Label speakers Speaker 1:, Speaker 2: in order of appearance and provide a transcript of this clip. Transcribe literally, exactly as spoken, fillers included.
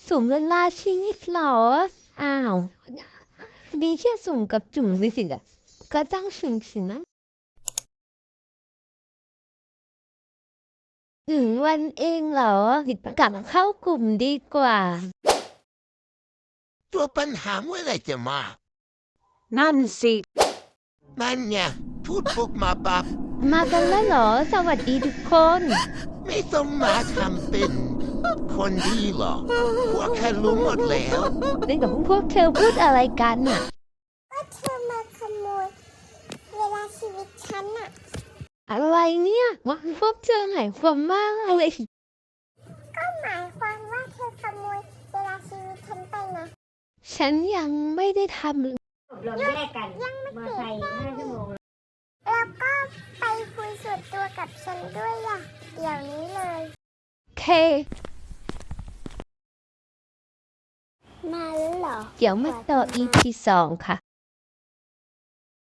Speaker 1: สุ่มเวลาชีวิตเหรออ้าวมีแค่สุ่มกับจุ่มสิสิอะก็ต้องสุ่มสินะถึงวันเองเหรอกลับเข้ากลุ่มดีกว่า
Speaker 2: ตัวปัญหาเมื่อไหรจะมา
Speaker 3: นั่นสิ
Speaker 2: นั่นไงพูดปุ๊บมาปับ
Speaker 1: มากันแล้วเหรอสวัสดีทุกคน
Speaker 2: ไม่ต้องมาทำเป็น คนดีหรอกพวกแค่รู้หมดแล้ว
Speaker 1: เล่นกับพวกเธอพูดอะไรกันน่ะ
Speaker 4: ก็เธอมาขโมยเวลาชีวิตฉันอะ
Speaker 1: อะไรเนี่ยว่าพวกเธอหมายความว่าอะไร
Speaker 4: ก็หมายความว่าเธอขโมยเวลาชีวิตฉันไปนะ
Speaker 1: ฉันยังไม่ได้ทำ
Speaker 5: อบรมแยกกันมอไซค์ห้าชั่วโมง
Speaker 4: แล้วก็ไปคุยส่วนตัวกับฉันด้วยล่ะ เดี๋ยวนี้เลย
Speaker 1: เค
Speaker 4: มาแล้วเหรอ
Speaker 1: เดี๋ยวมาต่อ อี พี สองค่ะ